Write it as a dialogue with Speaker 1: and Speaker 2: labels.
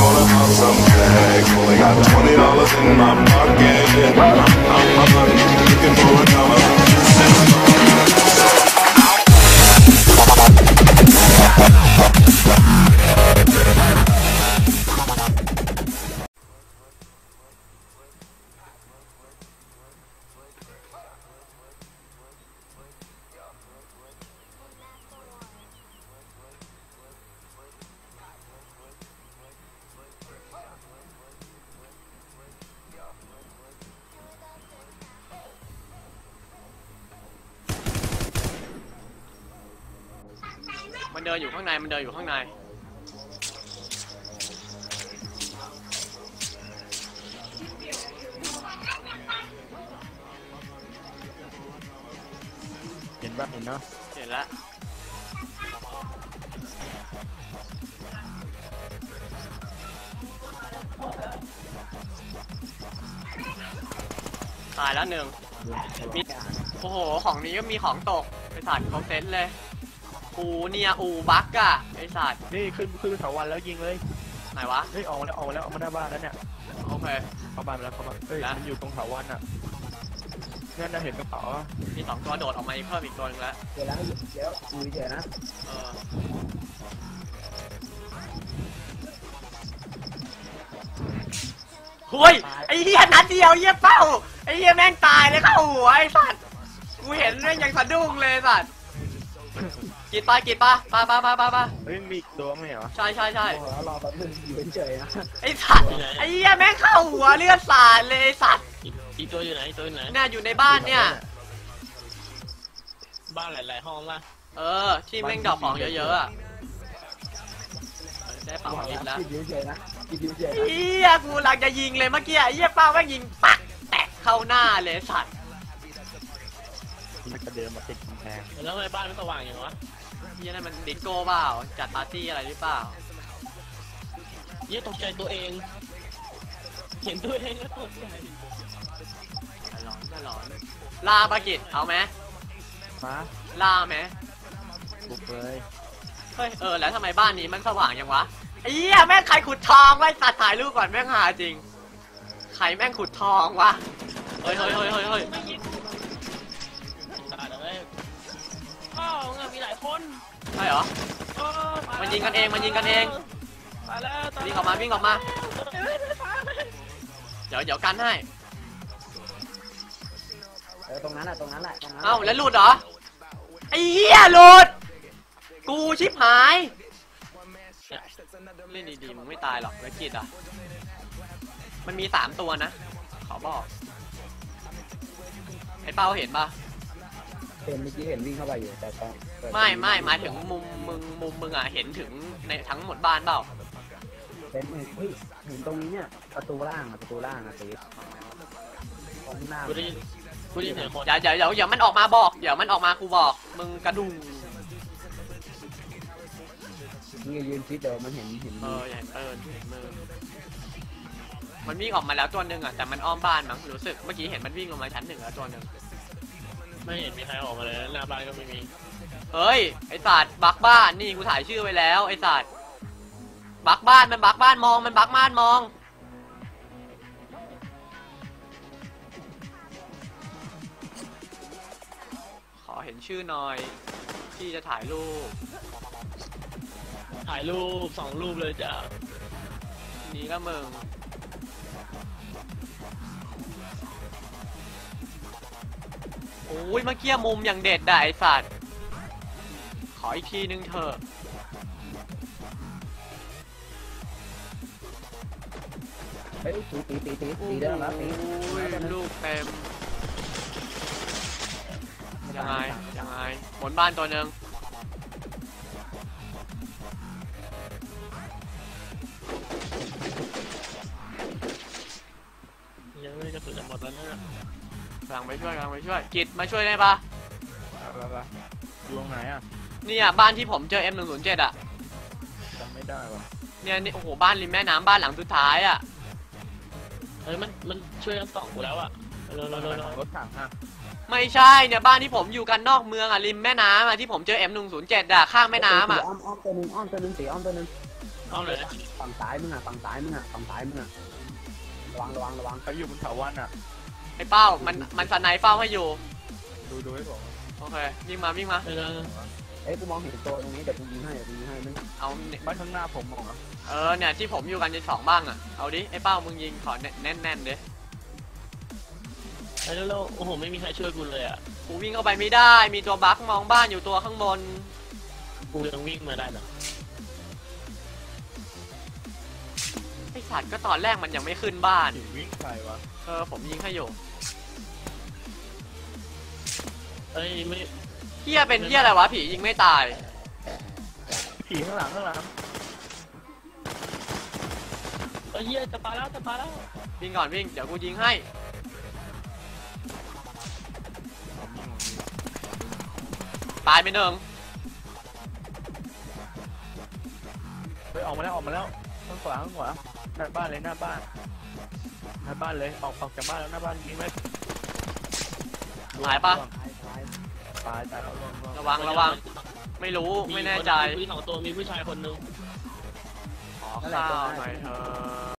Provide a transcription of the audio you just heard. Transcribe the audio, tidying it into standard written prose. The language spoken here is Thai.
Speaker 1: the house, I'm back. Only got $20 in my pocket. I'm looking for a dollar.
Speaker 2: มันเดินอยู่ข้างในมันเดินอยู่ข้างใน
Speaker 3: เห็นป่ะเห็นเนาะ
Speaker 2: เห็นแล้วตายแล้วหนึ่งมีโอ้โหของนี้ก็มีของตกไอสัตว์เขาเซ็ตเลยอูเนี่ยอูบักอะไอสัตว์
Speaker 3: นี่ขึ้นเถาวันแล้วยิงเลย
Speaker 2: ไหนวะ
Speaker 3: เฮ้ยออกมาแล้วออกมาหน้าบ้านแล้วเนี่ย
Speaker 2: โอเค
Speaker 3: เข้าบ้านแล้วเฮ้ยมันอยู่ตรงเถาวันอ่ะนั่นน่ะเห็นกระเป๋า
Speaker 2: มี2ตัวโดดออกมาเพิ่มอีกตัวนึงแล้ว
Speaker 4: เดี๋ยวนะเดี๋ยวคุยเดี๋ยวนะ
Speaker 2: หุ้ยไอ้เหี้ยนัดเดียวเหี้ยเป้าไอ้เหี้ยแม่งตายเลยเข้าหัวไอ้สัตว์กูเห็นแม่งยังสะดุ้งเลยสัตว์กีดปะ
Speaker 3: เฮ้ยมีตัวไหมเหรอ
Speaker 2: ใช่
Speaker 4: รอแป๊บนึงอยู่เฉยๆนะ
Speaker 2: ไอ้สัตว์ไอ้เหี้ยแม่งเข้าหัวเลือดสาดเลยไอ้สัตว์
Speaker 5: อีตัวอยู่ไหน
Speaker 2: น่าอยู่ในบ้านเนี่ย
Speaker 5: บ้านหลายๆห้องป่ะ
Speaker 2: ที่แม่งดอกของเยอะๆอ่ะได้เป่ายิงแล้ว
Speaker 4: กินเฉยๆนะ
Speaker 2: เหี้ยกูหลังจะยิงเลยเมื่อกี้ไอ้เหี้ยเป้าแม่งยิงปักแตกเข้าหน้าเลยสัตว์
Speaker 3: มันกระเดินมาติดกำแพง
Speaker 5: แล้วทำไมบ้านไม่สว่างอย่างวะ
Speaker 2: เหี้ยนั่นมันดิสโก้เปล่าจัดปาร์ตี้อะไรหรือเปล่า
Speaker 5: เหี้ยตกใจตัวเองเห็นตัวเองก็ตกใจ
Speaker 2: หลอนลาปากิจเอาไหม
Speaker 3: มา
Speaker 2: ลาไหม
Speaker 3: บุกเลย
Speaker 2: เฮ้ยแล้วทำไมบ้านนี้มันสว่างยังวะไอ้เหี้ยแม่งใครขุดทองไว้สัตว์ถ่ายรูปก่อนแม่งหาจริงใครแม่งขุดทองวะเฮ้ย
Speaker 5: ตายเลยอ้าวมีหลายคน
Speaker 2: ใช่เหรอมันยิงกันเอง
Speaker 5: ตายแล้ว
Speaker 2: วิ่งออกมาเดี๋ยวกันให้
Speaker 4: ตรงนั้นแหละ
Speaker 2: เอ้าแล้วหลุดเหรอไอ้เหี้ยหลุดกูชิบหายเล่นดีๆมึงไม่ตายหรอกวิกิตอ่ะมันมี3ตัวนะขอบอกไอ้เป้าเห็นปะ
Speaker 4: เมื่อกี้เห็นวิ่งเข้าไปอยู่แต่
Speaker 2: ไม่หมายถึงมุมมึงอ่ะเห็นถึงในทั้งหมดบ้านเปล่า
Speaker 4: เป็นเฮ้ยเห็นตรงนี้เนี่ยประตูล่างตีของหน้า
Speaker 5: กูได้ยินเสียงคน
Speaker 2: เดี๋ยวมันออกมาบอกเดี๋ยวมันออกมากูบอกมึงกระดุม
Speaker 4: นี่ยืนคิดเดี๋ยวมันเห็น
Speaker 2: เห็นมือมันวิ่งออกมาแล้วตัวนึงอ่ะแต่มันอ้อมบ้านมั้งรู้สึกเมื่อกี้เห็นมันวิ่งลงมาชั้น1แล้วตัวนึง
Speaker 5: ไม่เห็นมีใครออกมาเลยหน้าบ้านก็ไม่มี
Speaker 2: เฮ้ยไอ้สัตว์บักบ้านนี่กูถ่ายชื่อไว้แล้วไอ้สัตว์บักบ้านมันบักบ้านมองมันบักบ้านมองขอเห็นชื่อหน่อยที่จะถ่ายรูป
Speaker 5: 2 รูปเลยจ้ะ
Speaker 2: นี่ก็มึงโอ้ยเมื่อกี้มุมอย่างเด็ดได้ไอ้สัตว์ขออีกทีนึงเถอะ
Speaker 4: เฮ้ยตีได้แล้วตี
Speaker 2: ลูกเต็มยังไงบนบ้านตัวนึง
Speaker 5: ยังไม่กระสุนจะหมดแล้วนะ
Speaker 2: กำลังไปช่วยกิจมาช่วยได้ปะ
Speaker 3: อยู่ตรงไหนอ่ะ
Speaker 2: เนี่ยบ้านที่ผมเจอ M107 อ่ะ
Speaker 3: จำไม่ได้ว่ะ
Speaker 2: เนี่ยโอ้โหบ้านริมแม่น้ำบ้านหลังสุดท้ายอ่ะ
Speaker 5: เฮ้ยมันช่วยกัน2กูแล้วอ่ะ
Speaker 3: รถถังอ่ะ
Speaker 2: ไม่ใช่เนี่ยบ้านที่ผมอยู่กันนอกเมืองอ่ะริมแม่น้ำอ่ะที่ผมเจอ M107 อ่ะข้างแม่น้ำอ่ะ
Speaker 4: อ้อมตัวนึงตีอ้อมตัวนึง
Speaker 5: อ้อมเลย
Speaker 4: ฝั่งซ้ายมึงอ่ะฝั่งซ้ายมึงอ่ะฝั่งซ้ายมึงอ่ะระวัง
Speaker 3: เขาอยู่บนเขาวันอ่ะ
Speaker 2: ไอ้เป้ามันสไนเป้าให้อยู่
Speaker 3: ดูให้ผม
Speaker 2: โอเควิ่งมา
Speaker 5: เออ
Speaker 4: เอ้ยกูมองเห็นตัวตรงนี้เดี๋ยวกูยิงให้มึง
Speaker 2: เอาเนี่ย
Speaker 3: บ้านข้างหน้าผมมองอ่ะ
Speaker 2: เนี่ยที่ผมอยู่กันจะ2บ้างอ่ะเอาดิไอ้เป้ามึงยิงขอแน่นๆดิ
Speaker 5: ไอ้แล้วโอ้โหไม่มีใครช่วยกูเลยอ่ะ
Speaker 2: กูวิ่งเข้าไปไม่ได้มีตัวบั๊กมองบ้านอยู่ตัวข้างบน
Speaker 5: กูยังวิ่งมาได้เหรอ
Speaker 2: ไอ้สัตว์ก็ตอนแรกมันยังไม่ขึ้นบ้าน
Speaker 3: ผีวิ่งใครวะ
Speaker 2: ผมยิงให้อยู่
Speaker 5: เอ้ยไม่
Speaker 2: เฮียเป็นเฮียอะไรวะผียิงไม่ตาย
Speaker 3: ผีข้างหลัง
Speaker 5: เอ้ยเฮียจะปาแล้ว
Speaker 2: วิ่งก่อนวิ่งเดี๋ยวกูยิงให้ตายไปหนึ่ง
Speaker 3: เฮ้ยออกมาแล้วข้างขวาหน้าบ้านเลยหน้าบ้านเลยออกจากบ้านแล้วหน้าบ้านมีไหม
Speaker 2: หายปะ
Speaker 3: ตายแล้ว
Speaker 2: ระวังไม่รู้ไม่แน่ใจ
Speaker 5: มี2 ตัวมีผู้ชายคนนึง
Speaker 2: ขอข้าวหน่อยเถอะ